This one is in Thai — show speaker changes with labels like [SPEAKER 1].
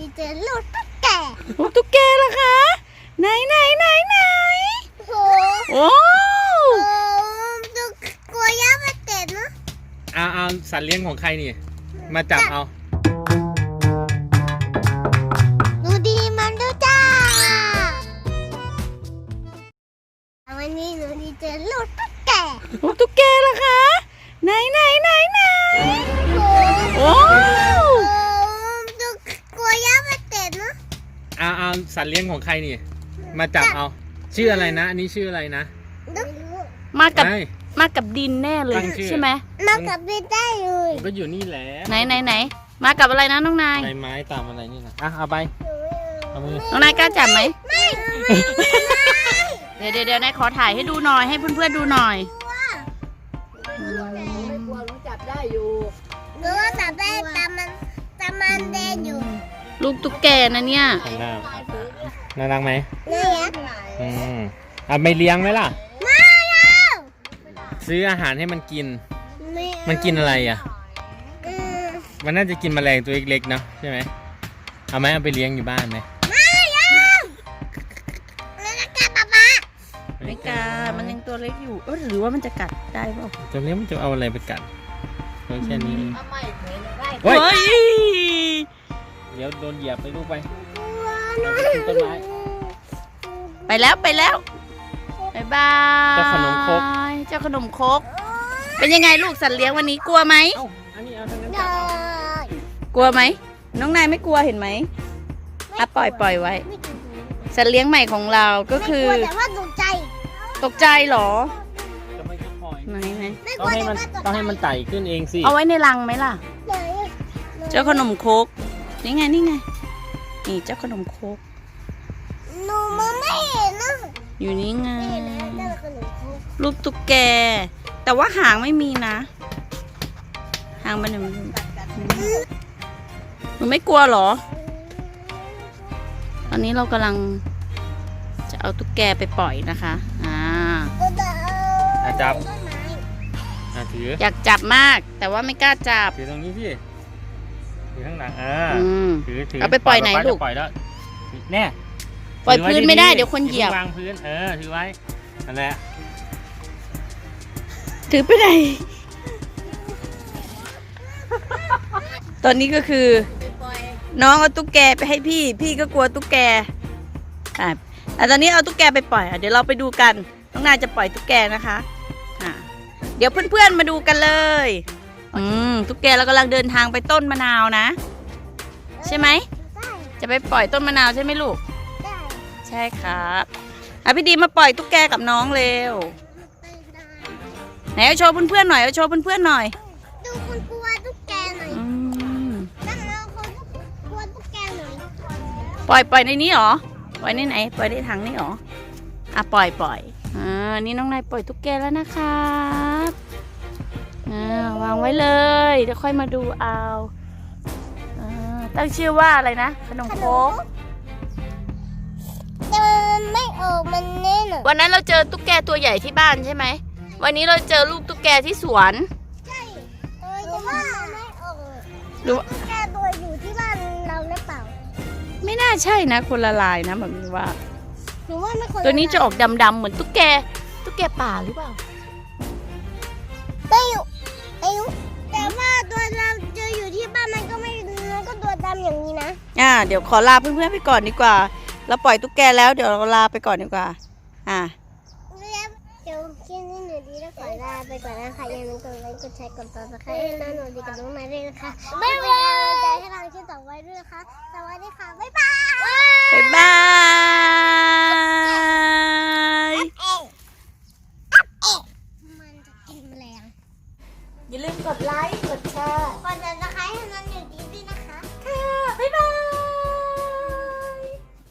[SPEAKER 1] เจอลูกตุ๊กแก
[SPEAKER 2] ลูกตุ๊กแกเหรอคะไหน
[SPEAKER 1] โห
[SPEAKER 2] โอ้
[SPEAKER 1] ตุ๊กกลัวย่ามาเตะนะ
[SPEAKER 3] เอาสัตว์เลี้ยงของใครนี่มาจับเอา
[SPEAKER 1] ดูดีมันดูจ้าวันนี้หนูดีเจอลูกตุ๊กแก
[SPEAKER 2] ลูกตุ๊กแกเหรอคะไหนโอ้
[SPEAKER 1] ตุ๊กกลัวย่ามาเตะนะ
[SPEAKER 3] เอาสัตว์เลี้ยงของใครนี่มาจับเอาชื่ออะไรนะอันนี้ชื่ออะไรนะ
[SPEAKER 2] มากับดินแน่เลยใช่ไหม
[SPEAKER 1] มากับดินได้เลย
[SPEAKER 3] ก็อยู่นี่แหละ
[SPEAKER 2] ไหนมากับอะไรนะน้องนาย
[SPEAKER 3] ใบไม้ตามอะไรนี่นะเอาไปเอามือ
[SPEAKER 2] น้องนายกล้าจับไหมเดี๋ยวนายขอถ่ายให้ดูหน่อยให้เพื่อนๆดูหน่อย
[SPEAKER 4] ไม่กลัวรู้จับได้อยู่
[SPEAKER 1] หนูว่าจับได้ตามมันเดินอยู่
[SPEAKER 2] ลูกตุ๊กแกนะเนี่ย
[SPEAKER 3] น่ารักไหม
[SPEAKER 1] น่ารัก
[SPEAKER 3] เอาไปเลี้ยงไหมล่ะ
[SPEAKER 1] ไม่เอา
[SPEAKER 3] ซื้ออาหารให้มันกินมันกินอะไรอ่ะมันน่าจะกินแมลงตัวเล็กๆเนาะใช่ไหมเอาไหมเอาไปเลี้ยงอยู่บ้านไหม
[SPEAKER 1] ไม่เอาแล้วจะกัดป๊า
[SPEAKER 2] ไม่กล้ามันยังตัวเล็กอยู่หรือว่ามันจะกัดได้เปล่า
[SPEAKER 3] ตัวเล็กมันจะเอาอะไรไปกัดแค่นี้
[SPEAKER 2] เฮ้ย
[SPEAKER 3] เดี๋ยวโดนเหยียบไปลูกไปต้นไม้
[SPEAKER 2] ไปแล้วบ๊ายบาย
[SPEAKER 3] เจ้าขนมครก
[SPEAKER 2] เป็นยังไงลูกสัตว์เลี้ยงวันนี้กลัวไหม
[SPEAKER 3] อันนี้เอาทางนั้น
[SPEAKER 2] กลัวไหมน้องนายไม่กลัวเห็นไหมปล่อยไว้สัตว์เลี้ยงใหม่ของเราก็คือ
[SPEAKER 1] แต่ว่าตก
[SPEAKER 2] ใจหรอไหน
[SPEAKER 3] ต้องให้มันไต่ขึ้นเองสิ
[SPEAKER 2] เอาไว้ในรังไหมล่ะเจ้าขนมครกนี่ไงนี่เจ้าขนมครก
[SPEAKER 1] หนูมองไม่เห็นนะ
[SPEAKER 2] อยู่นี่ไงลูกตุ๊กแกแต่ว่าหางไม่มีนะหางมันหนูไม่กลัวหรอตอนนี้เรากำลังจะเอาตุ๊กแกไปปล่อยนะคะ
[SPEAKER 3] จับถือ
[SPEAKER 2] อยากจับมากแต่ว่าไม่กล้าจับ
[SPEAKER 3] ถือตรงนี้พี่ถือข้างหลังถือ
[SPEAKER 2] เอาไปปล่อยไหนลูก
[SPEAKER 3] ปล่อยแล้วแน่
[SPEAKER 2] ปล่อยพื้นไม่ได้เดี๋ยวคนเหยียบ
[SPEAKER 3] วางพื้นถือไว้นั่นแหละ
[SPEAKER 2] ถือไปไหนตอนนี้ก็คือน้องเอาตุ๊กแกไปให้พี่ก็กลัวตุ๊กแกตอนนี้เอาตุ๊กแกไปปล่อยเดี๋ยวเราไปดูกันน้องนายจะปล่อยตุ๊กแกนะคะเดี๋ยวเพื่อนๆมาดูกันเลยตุ๊กแกเรากำลังเดินทางไปต้นมะนาวนะใช่ไหมจะไปปล่อยต้นมะนาวใช่ไหมลูกใช่ครับพี่ดีมาปล่อยตุ๊กแกกับน้องเร็วไหนเอาโชว์เพื่อนๆหน่อย
[SPEAKER 1] ดูคนกลัวตุ๊กแกหน่อยแล้วเราคนกลัวตุ๊กแกหน่อย
[SPEAKER 2] ปล่อยในนี้หรอปล่อยในไหนปล่อยในถังนี่หรอปล่อยนี่น้องนายปล่อยตุ๊กแกแล้วนะครับวางไว้เลยเดี๋ยวค่อยมาดูเอาตั้งชื่อว่าอะไรนะขนมโค้ก
[SPEAKER 1] ไม่ออกมันแน่นอน
[SPEAKER 2] วันนั้นเราเจอตุ๊กแกตัวใหญ่ที่บ้านใช่ไหมวันนี้เราเจอลูกตุ๊กแกที่สวน
[SPEAKER 1] ใช่แต่ว่าไม่ออกตุ๊กแกตัวอยู่ที่บ้านเราหรือเปล่า
[SPEAKER 2] ไม่น่าใช่นะคนละลายนะแบบนี้ว่า
[SPEAKER 1] หนูว่าไม่คน
[SPEAKER 2] ตัวนี้จะออกดำๆเหมือนตุ๊กแกป่าหรือเปล่า
[SPEAKER 1] ไม่อยู่แต่ว่าตัวเราเจออยู่ที่บ้านมันก็ตัวดำอย่างนี้นะ
[SPEAKER 2] เดี๋ยวขอลาเพื่อนๆไปก่อนดีกว่าเราปล่อยตุ๊กแกแล้วเดี๋ยวเราลาไปก่อนดีกว่า
[SPEAKER 1] เดี๋ยวคลิปนี้หนูดีแล้วขอลาไปก่อนนะคะอย่าลืมกดไลค์กดแชร์กดติดตามนะคะให้น้องหนูดีกับน้องนายด้วยนะคะบ๊ายบายใจให้เราที่ต่อไว้ด้วยนะคะสวัสดีค่ะบ๊ายบายมันจะกินแมลง
[SPEAKER 2] อย่าลืมกดไลค์กดแชร์